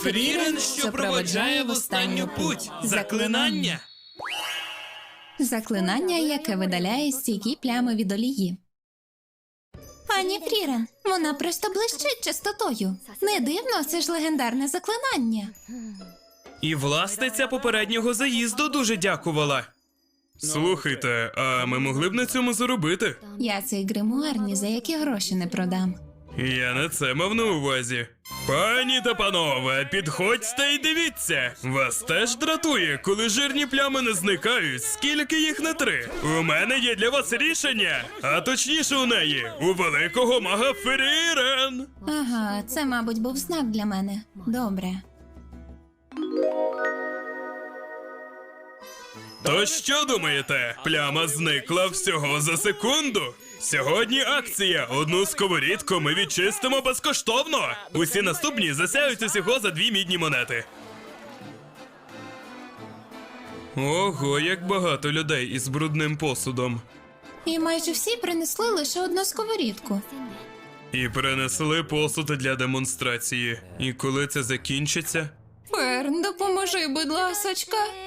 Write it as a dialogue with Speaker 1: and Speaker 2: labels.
Speaker 1: Фрірен, що проводжає в останню путь. Заклинання.
Speaker 2: Заклинання, яке видаляє стійкі плями від олії. Пані Фрірен, вона просто блищить чистотою. Не дивно, це ж легендарне заклинання.
Speaker 1: І власниця попереднього заїзду дуже дякувала. Слухайте, а ми могли б на цьому заробити?
Speaker 2: Я цей гримуар ні за які гроші не продам.
Speaker 1: Я не це мав на увазі. Пані та панове, підходьте і дивіться. Вас теж дратує, коли жирні плями не зникають, скільки їх не три. У мене є для вас рішення, а точніше у неї, у великого мага Фрірен.
Speaker 2: Ага, це, мабуть, був знак для мене. Добре.
Speaker 1: То що думаєте? Пляма зникла всього за секунду. Сьогодні акція. Одну сковорідку ми відчистимо безкоштовно. Усі наступні засяють усього за 2 мідні монети. Ого, як багато людей із брудним посудом.
Speaker 2: І майже всі принесли лише одну сковорідку.
Speaker 1: І принесли посуд для демонстрації. І коли це закінчиться?
Speaker 2: Ферн, допоможи, будь ласочка.